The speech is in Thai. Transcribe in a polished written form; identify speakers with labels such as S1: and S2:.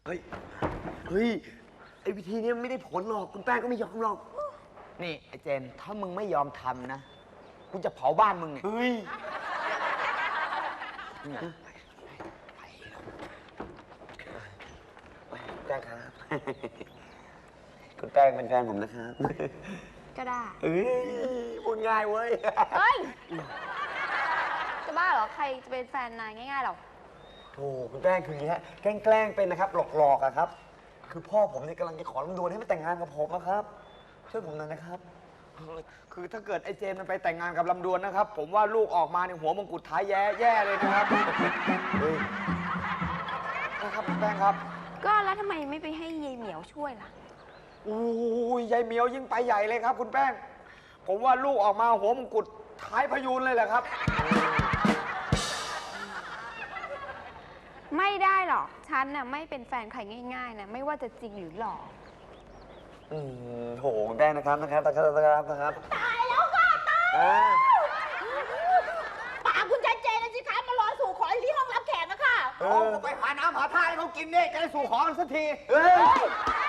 S1: เฮ้ย เฮ้ย ไอ้วิธีนี้ไม่ได้ผลหรอก คุณแป้งก็ไม่ยอมหรอก
S2: นี่ไอ้เจน ถ้ามึงไม่ยอมทำนะ กูจะเผาบ้านมึงเนี่ย
S1: เฮ้ย แป้งครับ คุณแป้งเป็นแฟนผมนะครับ
S3: ก็ได้
S1: เฮ้ยพูดง่ายเว้ย
S3: เฮ้ย จะบ้าเหรอ ใครจะเป็นแฟนนายง่ายๆหรอ
S1: โธ่คุณแป้งคืออย่างนี้ฮะแกล้งเป็นนะครับ หลอกๆอะครับ คือพ่อผมเนี่ยกำลังจะขอลำดวนให้มาแต่งงานกับผมนะครับ ช่วยผมหน่อยนะครับ
S2: คือถ้าเกิดไอ้เจนมันไปแต่งงานกับลำดวนนะครับ ผมว่าลูกออกมาเนี่ยหัวมงกุฎท้ายแย่เลยนะครับ
S1: เฮ้ย
S2: นะครับคุณแป้งครับ
S3: ก็แล้วทำไมไม่ไปให้ยายเหมียวช่วยล่ะ
S2: อู้ยยายเหมียวยิ่งไปใหญ่เลยครับ คุณแป้ง ผมว่าลูกออกมาหัวมงกุฎท้ายพยูนเลยแหละครับ
S3: ไม่ได้หรอก ฉันน่ะไม่เป็นแฟนใครง่ายๆนะ ไม่ว่าจะจริงหรือหลอก
S1: โหคุณแป้งนะครับนะครับ
S4: ตายแล้วค่ะตายป่าคุณชายเจนนะสิคะมารอสู่ขอที่ห้องรับแขกนะคะ
S2: เอาไปหาน้ำหาท่าให้เขากินเนี่ยจะได้สู่ขอกันสักที
S1: เฮ้ย